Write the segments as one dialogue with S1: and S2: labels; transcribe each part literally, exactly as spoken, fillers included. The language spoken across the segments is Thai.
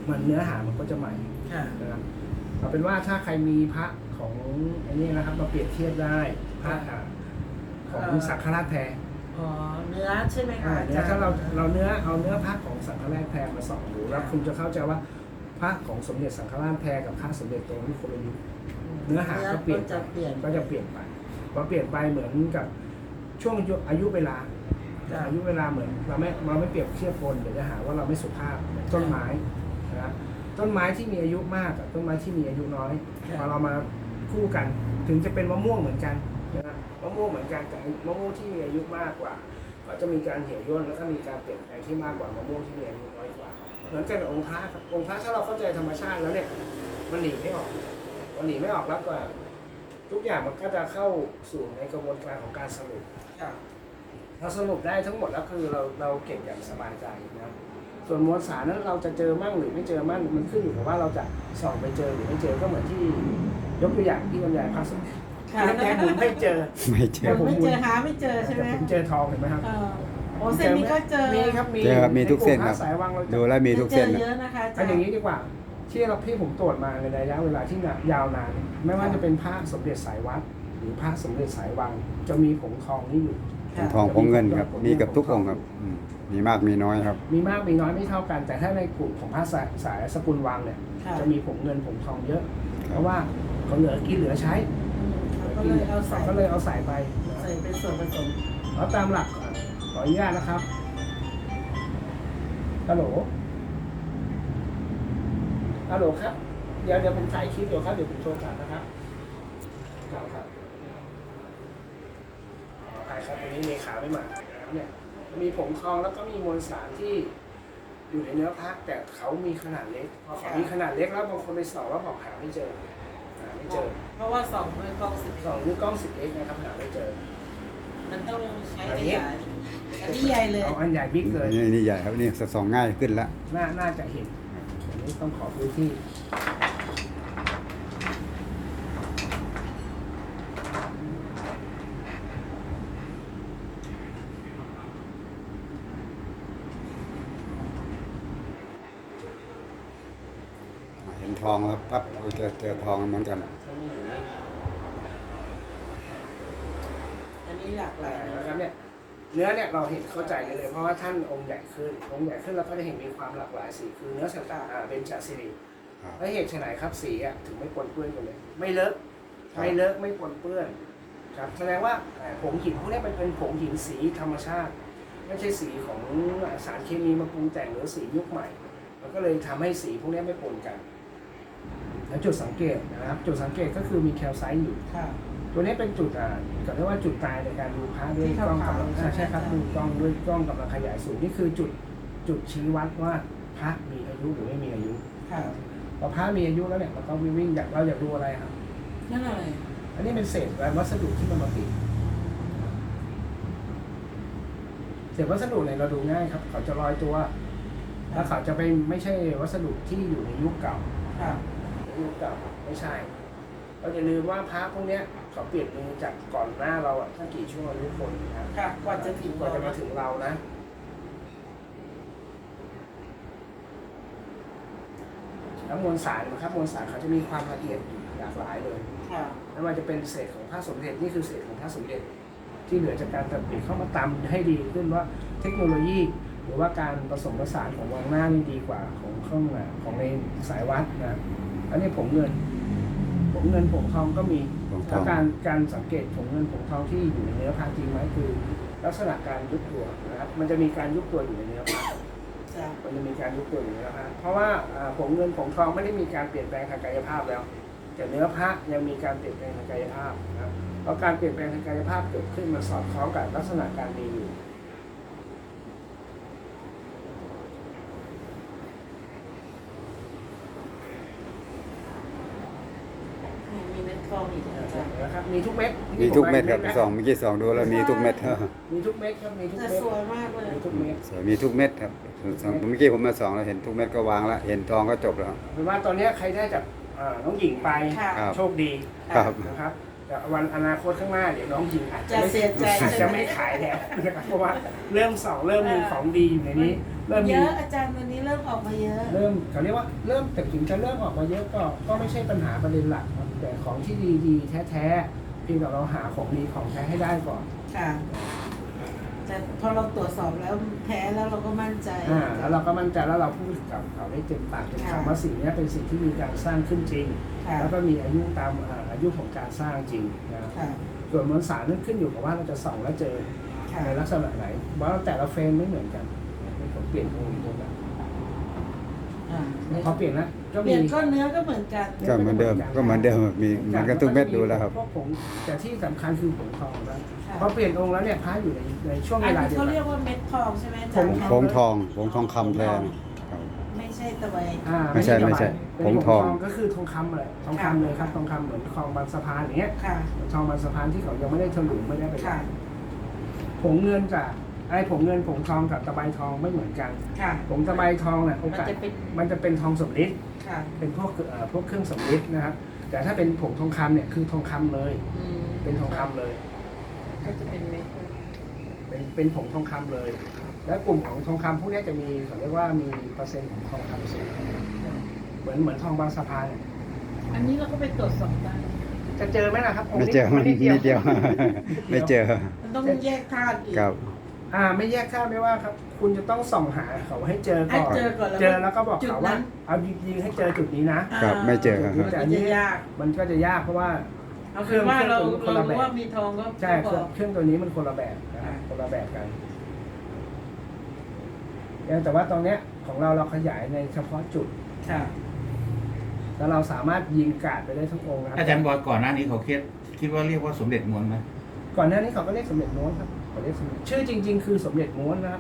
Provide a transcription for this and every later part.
S1: มันเนื้อหามันก็จะใหม่นะครับเอาเป็นว่าถ้าใครมีพระของไอ้นี่นะครับมาเปรียบเทียบได้พระของสังฆราชแพร
S2: อ๋อเนื้อใช่ไหมคะ
S1: เนื้อถ้าเราเราเนื้อเอาเนื้อพระของสังฆราชแพรมาส่องดูแล้วคุณจะเข้าใจว่าพระของสมเด็จสังฆราชแพรกับพระสมเด็จโตนี่คนละยุคเนื้อหาก็เปลี่ยนก็จะเปลี่ยนไปพอเปลี่ยนไปเหมือนกับช่วงอายุเวลาอายุเวลาเหมือนเราไม่เราไม่เปรียบเทียบคนเดี๋ยวจะหาว่าเราไม่สุภาพต้นไม้นะครับต้นไม้ที่มีอายุมากกับต้นไม้ที่มีอายุน้อยพอเรามาคู่กันถึงจะเป็นมะม่วงเหมือนกันนะครับมะม่วงเหมือนกันแต่มะม่วงที่มีอายุมากกว่าก็จะมีการเหี่ยวย่นแล้วก็มีการเปลี่ยนแปลงที่มากกว่ามะม่วงที่มีอายุน้อยกว่าเหมือนกันกับองค์พระครับองค์พระถ้าเราเข้าใจธรรมชาติแล้วเนี่ยมันหนีไม่ออกมันหนีไม่ออกแล้วก็ทุกอย่างมันก็จะเข้าสู่ในกระบวนการของการสรุปเราสรุปได้ทั้งหมดแล้วคือเราเราเก็บอย่างสบายใจนะส่วนมวลสารนั้นเราจะเจอมั่งหรือไม่เจอมั่งมันขึ้นอยู่กับว่าเราจะส่องไปเจอหรือไม่เจอก็เหมือนที่ยกตัวอย่างที่บรรยายพระสมเด็จแต่ผมไม่เจอ
S3: ไม่เจอ
S2: ไม่เจอหาไม่เจอใช่ไหม
S1: ผมเจอทองเห็นไหมครับ
S2: โอ้เส้นนี้ก็เจอ
S1: มีครับมี
S3: มีทุกเส้นครับดูแล้วมีทุกเส้น
S2: เยอะนะคะ
S1: เป็นอย่างนี้ดีกว่าที่เราพี่ผมตรวจมาในระยะเวลาที่ยาวนานไม่ว่าจะเป็นพระสมเด็จสายวัดหรือพระสมเด็จสายวังจะมีผงทองนี่อยู่
S3: ทองผงเงินครับมีกับทุกองค์ครับมีมากมีน้อยครับ
S1: มีมากมีน้อยไม่เท่ากันแต่ถ้าในกลุ่มของพระสายสกุลวังเนี่ยจะมีผงเงินผงทองเยอะเพราะว่าเขาเหลือกินเหลือใช้
S2: ก็เลยเอาใส่
S1: ก็เลยเอาใส่ไป
S2: ใส่เป็นส่วนผสม
S1: แล้วตามหลักขออนุญาตนะครับฮัลโหลฮัลโหลครับเดี๋ยวเดี๋ยวผมถ่ายคลิปเดี๋ยวครับเดี๋ยวผมโทรกลับนะครับครับครับใช่ครับวันนี้เลขาไม่มาเนี่ยมีผงทองแล้วก็มีมวลสารที่อยู่ในเนื้อพระแต่เขามีขนาดเล็กพอเขามีขนาดเล็กแล้วบางคนไปส่องแล้วบอกหาไม่เจอหาไม่เจอ
S2: เพราะว่าส่องด้วยกล้องสิบ
S1: ส่องด้วยกล้องสิบเอ็กนะครับหาไม่เจอ
S2: มันต้องใช้ใหญ่อันนี้ใหญ่เลย
S1: เอาอันใหญ่บิ๊กเลย
S3: นี่นี่ใหญ่ครับนี่ส่องง่ายขึ้นแล้ว
S1: น่าน่าจะเห็นอันนี้ต้องขอพื้นที่
S3: เห็นทองแล้วปั๊บเจอเจอทองเหมือนกัน
S2: อันนี้หลากหลาย
S1: นะครับเนี่ยเนื้อเนี่ยเราเห็นเข้าใจเลยเพราะว่าท่านองค์ใหญ่ขึ้นองค์ใหญ่ขึ้นเราก็จะเห็นมีความหลากหลายสีคือเนื้อสังกาเป็นจัสิริและเหตุไหนครับสีอ่ะถึงไม่ปนเปื้อนกันเลยไม่เลอะไม่เลอะไม่ปนเปื้อนครับแสดงว่าผงหินพวกนี้มันเป็นผงหินสีธรรมชาติไม่ใช่สีของสารเคมีมาปรุงแต่งหรือสียุคใหม่มันก็เลยทำให้สีพวกนี้ไม่ปนกันแล้วจุดสังเกตนะครับจุดสังเกตก็คือมีแคลไซต์อยู่ตัวนี้เป็นจุดอ่าเรียกว่าจุดตายในการดูพระด้วยกล้องกำลังใช่ครับดูกล้องด้วยกล้องกำลังขยายสูงนี่คือจุดจุดชี้วัดว่าพระมีอายุหรือไม่มีอายุพอพระมีอายุแล้วเนี่ยเราต้องวิ่งอยากเราอยากดูอะไรครับ
S2: นั่นอะไร
S1: อันนี้เป็นเศษวัสดุที่มันมาปิดเศษวัสดุเนี่ยเราดูง่ายครับเขาจะลอยตัวแล้วเขาจะไปไม่ใช่วัสดุที่อยู่ในยุคเก่ายุคเก่าไม่ใช่เราอย่าลืมว่าพระพวกนี้เขาเปลี่ยนมือจากก่อนหน้าเราอ่ะตั้งกี่ชั่วอายุคนนะครับ
S2: ก่อนจะถึง
S1: ก่อนจะมาถึงเรานะแล้วมวลสารนะครับมวลสารเขาจะมีความละเอียดหลากหลายเลยไม่ว่าจะเป็นเศษของพระสมเด็จนี่คือเศษของพระสมเด็จที่เหลือจากการตัดปิดเข้ามาตำให้ดีขึ้นว่าเทคโนโลยีหรือว่าการผสมผสานของวังหน้านี่ดีกว่าของข้างของในสายวัดนะอันนี้ผงเงินผงเงินผงทองก็มีแล้วการการสังเกตผงเงินผงทองที่อยู่ในเนื้อพระจริงไหมคือลักษณะการยุบตัวนะครับมันจะมีการยุบตัวอยู่ในเนื้อพระมันจะมีการยุบตัวอยู่ในเนื้อพระเพราะว่าผงเงินผงทองไม่ได้มีการเปลี่ยนแปลงทางกายภาพแล้วแต่เนื้อพระยังมีการเปลี่ยนแปลงทางกายภาพนะครับเพราะการเปลี่ยนแปลงทางกายภาพเกิดขึ้นมาสอดคล้องกับลักษณะการมีอยู่นะครับมีทุกเม็ด
S3: มีทุกเม็ดครับสองเมื่อกี้สองดูแล้วมีทุกเม็ด
S1: มีทุกเม็ดครับมีทุกเม็ด
S2: สวยมากเลย
S1: มีทุกเม็ด
S3: สวยมีทุกเม็ดครับเมื่อกี้ผมมาสองแล้วเห็นทุกเม็ดก็วางแล้วเห็นทองก็จบแล้ว
S1: เป็นว่าตอนนี้ใครได้จากน้องหญิงไปโชคดีนะครับแต่แต่วันอนาคตข้างหน้าเดี๋ยวน้องหญิงอาจจะ
S2: จะ
S1: ไม่
S2: เสียใจ
S1: อาจจะไม่ขายแล้วนะครับเพราะว่าเริ่มสองเริ่มมีของดีอยู่ในนี้ เริ่ม
S2: เย
S1: มี
S2: อะอาจารย์วันนี้เริ่มออกมาเยอะ
S1: เริ่มเขาเรียกว่าเริ่มแต่ถึงจะเริ่มออกมาเยอะก็ก็ไม่ใช่ปัญหาประเด็นหลักครับแต่ของที่ดีๆแท้ๆเพียงแต่เราหาของดีของแท้ให้ได้ก่อน
S2: ค่ะแต่พอเราตรวจสอบแล้วแพ้แล้วเราก็มั่นใจ
S1: อ่าแล้วเราก็มั่นใจแล้วเราพูดกับเขาได้เต็มปากเต็ม
S2: ค่ะ
S1: คำว่าสิ่งนี้เป็นสิ่งที่มีการสร้างขึ้นจริง
S2: ค่ะ
S1: แล้วก็มีอายุตามอ่าอายุของการสร้างจริงนะ
S2: ค่ะ
S1: ส่วนมวลสารนั้นขึ้นอยู่กับว่าเราจะส่องแล้วเจอ
S2: ค่ะ
S1: ในลักษณะไหนเพราะแต่ละเฟรมไม่เหมือนกันผมเปลี่ยนองค์ตัวนั้น
S2: อ่า
S1: พอเปลี่ยนแล้วก็
S2: เป
S1: มี
S2: ลี่ยนก้อนเนื้อก็เหมือนกัน
S3: ก็เหมือนเดิมก็เหมือนเดิมมีเหมันกันทุกเม็ดดูแล้วครับ
S1: พวกผงแต่ที่สำคัญคือผงทองนะ
S2: ค่ะ
S1: พอเปลี่ยนองค์แล้วเนี่ยพระอยู่ในในช่วง
S2: อั
S1: เวน ลา
S2: นี้
S1: เดียว
S2: เขา
S1: กั
S2: เรียก
S1: น
S2: ว่าเม็ดทองใช่ไหมอา
S1: ผ
S2: จาร
S1: ง
S2: ย์
S3: ผงทองผงทองคำแทนครับ
S2: ไม่ใช่ตะไบ
S1: อ่า
S3: ไม่ใช่ไม่ใช่
S1: เป็น
S3: ผงทอง
S1: ก็คือทองคำเลยทองคำเลยครับทองคำเหมือนทองบางสะพานอย่างเงี้ย
S2: ค่ะ
S1: ทองบางสะพานที่เขายังไม่ได้ถลุงไม่ได้ไป
S2: ค่ะ
S1: ผงเงินกับไอ้ผงเงินผงทองกับตะไบทองไม่เหมือนกัน
S2: ค่ะ
S1: ผงตะไบทองเนี่ยโอกาส
S2: มันจะเป็น
S1: มันจะเป็นทองสำริด
S2: ค่ะ
S1: เป็นพวกเอ่อพวกเครื่องสำริดนะครับ แต่ถ้าเป็นผงทองคำเนี่ยคือทองคำเลย
S2: อืม
S1: เป็นทองคำเลย
S2: ก็จะเป็นเม็ด
S1: เป็นเป็นผงทองคำเลย และกลุ่มของทองคำพวกนี้จะมีเขาเรียกว่ามีเปอร์เซ็นต์ของทองคำสูงเหมือนเหมือนทองบางสะพานเนี่ย
S2: อันนี้เราก็ไปตรวจสอบได้
S1: จะเจอไหมล่ะครับงค์
S3: ไม่
S1: นี้
S3: เจอมัน
S1: นิ
S3: นิดเดียว ไม่เจอ
S2: มันต้องแยกธาตุอีก
S3: ครับ
S1: อ่าไม่แยกข้ามไม่ว่าครับ คุณจะต้องส่องหาเขาให้เจอก่อน
S2: ให้เจอก่อนแล้ว
S1: เจอแล้วก็บอก
S2: จุด
S1: เขา
S2: นั้
S1: ว่าน เอายิงๆให้เจอจุดนี้นะ
S3: ครับไม่เจอครับ
S2: มันจะยาก
S1: มันก็จะยากเพราะว่า
S2: เอาเป็นว่าเรา
S1: เครื่อง
S2: เรา
S1: ตัวนี้คนละแบบ
S2: รู้ว่ามีทองก็
S1: ใช่
S2: ก็
S1: เค
S2: บ
S1: รื่
S2: อ
S1: อง
S2: ก
S1: เครื่องตัวนี้มันคนละแบบนะครับคนละแบบกันแต่ว่าตรงเนี้ยของเราเราขยายในเฉพาะจุด
S2: ค่ะ
S1: แล้วเราสามารถยิงกาดไปได้ทั้งองค์นะครับ
S4: อาจารย์บอยก่อนหน้านี้เขาคิดคิดว่าเรียกว่าสมเด็จม้วนไหม
S1: ก่อนหน้านี้เขาก็เรียกสมเด็จม้วนครับเขาเรียกสมเด็จชื่อจริง ๆ คือสมเด็จม้วนนะครับ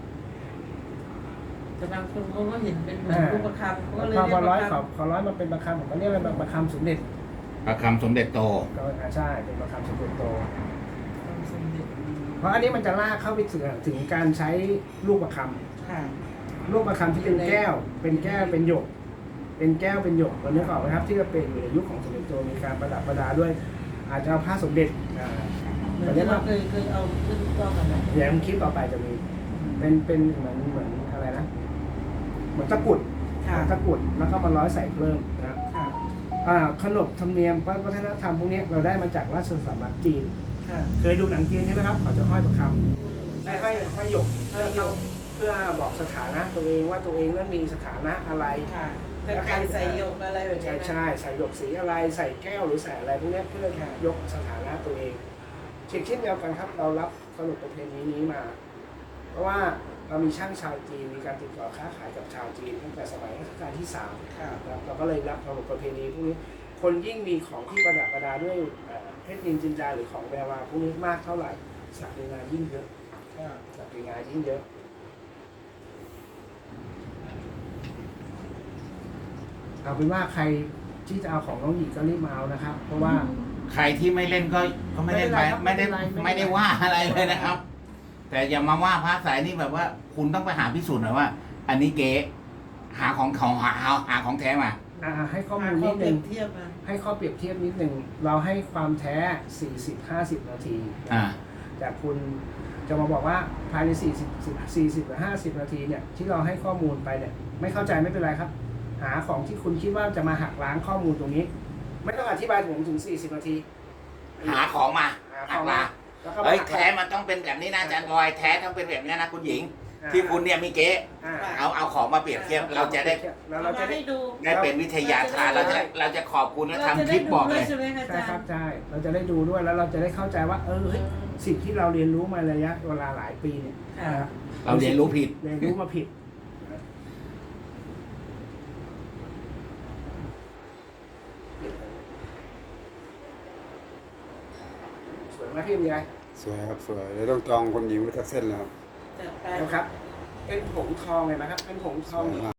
S2: แต่บางคนเขาก็เห็นเป็นเหมือนรูปประคำเขาก็เลย
S1: พอ
S2: เรีย
S1: พอก ร้อย
S2: ประ
S1: เขา
S2: คำ
S1: เขาร้อยมาเป็นประคำผมก็เรียกเป็นประคำสมเด็จ
S4: ประคำสมเด็จโต
S1: ก็อ่าใช่เป็นประคำสมเด็จโต
S2: สมเด็จ
S1: เพราะอันนี้มันจะลากเข้าไปถึงถึงการใช้ลูกประค
S2: ค่ะ
S1: ำลูกประคำที่เป็นแก้ว เป็นแก้วเป็นหยก เป็นแก้วเป็นหยกเรานึกออกไหมครับที่จะเป็นอยู่ในยุคของสมเด็จโตมีการประดับประดาด้วย อาจจะเอาผ้าสมเด็จอ่า
S2: เหมือ
S1: เขา
S2: น
S1: เรีย
S2: ที่
S1: ก
S2: เรา
S1: ว่า
S2: เคยเคยเอาขึ้นกล้องกันนะ
S1: เดี๋ยวคลิปต่อไปจะมี เป็นเป็นเหมือนเหมือนอะไรนะเหมือนตะกรุด
S2: ค่ะ
S1: ตะกรุดแล้วก็มาร้อยใส่เพิ่มนะครับ
S2: ค่ะ
S1: อ่าขนบธรรมเนียมวัฒนธรรมพวกนี้เราได้มาจากราชสำนักจีน
S2: ค่ะ
S1: เคยดูหนังจีนใช่ไหมครับเขาจะห้อยประคำให้ห้อยห้อยหยกเพื่อเราเพื่อบอกสถานะตัวเองว่าตัวเองนั้นมีสถานะอะไร
S2: ค่ะแต่ใครใส่หยกอะไรแบบนี้
S1: ใช่
S2: นะ
S1: ใช่ใส่หยกสีอะไรใส่แก้วหรือใส่อะไรพวกนี้เพื่อยกสถานะตัวเองเช่นเช่นเดียวกันครับเรารับขนบประเพณีนี้มา เพราะว่าเรามีช่างชาวจีนมีการติดต่อค้าขายกับชาวจีนตั้งแต่สมัยรัชกาลที่สาม
S2: ค่ะ
S1: ครับเราก็เลยรับขนบประเพณีพวกนี้ คนยิ่งมีของที่ประดับประดาด้วยเอ่อเพชรนินจินดาหรือของแวววาวพวกนี้มากเท่าไหร่ศักดินายิ่งเยอะ
S2: ค่ะ
S1: ศักดินายิ่งเยอะเอาเป็นว่าใครที่จะเอาของน้องหญิงก็รีบมาเอานะครับ เพราะว่า
S4: ใครที่ไม่เล่นก็ก็ไม่ได้ไป
S1: ไม่
S4: ไม่
S1: เป็
S4: ได้
S1: นไรครับไม่เป็นไร
S4: ไม่ได้ว่าอะไรเลยนะครับ แต่อย่ามาว่าพระสายนี่แบบว่า คุณต้องไปหาพิสูจน์หน่อยว่า อันนี้เก๊หาของของหาหาหาของแท้มา
S1: อ่าให้ข้อ
S2: หา
S1: มูล
S2: ข้อ
S1: นิด
S2: เป
S1: นึง
S2: รียบเทียบมา
S1: ให้ข้อเปรียบเทียบนิดนึงเราให้ความแท้ สี่สิบ ห้าสิบ นาที
S4: อ่า
S1: แต่คุณจะมาบอกว่าภายใน สี่สิบ สี่สิบหรือ ห้าสิบ นาทีเนี่ยที่เราให้ข้อมูลไปเนี่ยไม่เข้าใจไม่เป็นไรครับ หาของที่คุณคิดว่าจะมาหักล้างข้อมูลตรงนี้ ไม่ต้องอธิบายถึงถึง สี่สิบ นาที
S4: หาของมา
S1: หาข
S4: หั
S1: อง
S4: ก
S1: มา
S4: มา
S1: แล้วก็
S4: เอ้ย
S1: หัก
S4: แท้มันต้องเป็นแบบนี้นะอาจารย์บอยแท้ต้องเป็นแบบนี้นะคุณหญิง
S1: อ่า
S4: ที่คุณเนี่ยมีเก๊
S1: อ่า
S4: เอาเอาของมาเปรียบเทียบเราจะได้
S1: แล้ว
S2: เอา
S1: เราจะ
S2: มา
S1: ได้
S2: ให้ดู
S4: ได้เป็นวิทยาทานเราจะเราจะขอบคุณและ
S2: เราจะ
S4: ทำค
S2: ได้
S4: ลิป
S2: ดู
S4: บอก
S2: ด้
S4: เล
S2: วย
S4: ย
S2: ใช่ไหมคะอา
S1: ใช่
S2: จาร
S1: ครับ
S2: ย์
S1: ใช่เราจะได้ดูด้วยแล้วเราจะได้เข้าใจว่าเออเฮ้ยสิ่งที่เราเรียนรู้มาระยะเวลาหลายปีเนี่ย
S2: ค่ะ
S4: เราเรียนรู้ผิด
S1: เรียนรู้มาผิดสวยไหมพี่มีอะไร
S3: สวยครับสวยเดี๋ยวต้องจองคนหญิงไว้สักเส้นแล้วครับ
S2: จัดไป
S1: นะครับ เป็นผงทองเลยนะครับ เป็นผงท
S3: ส
S1: อง
S3: วยมาก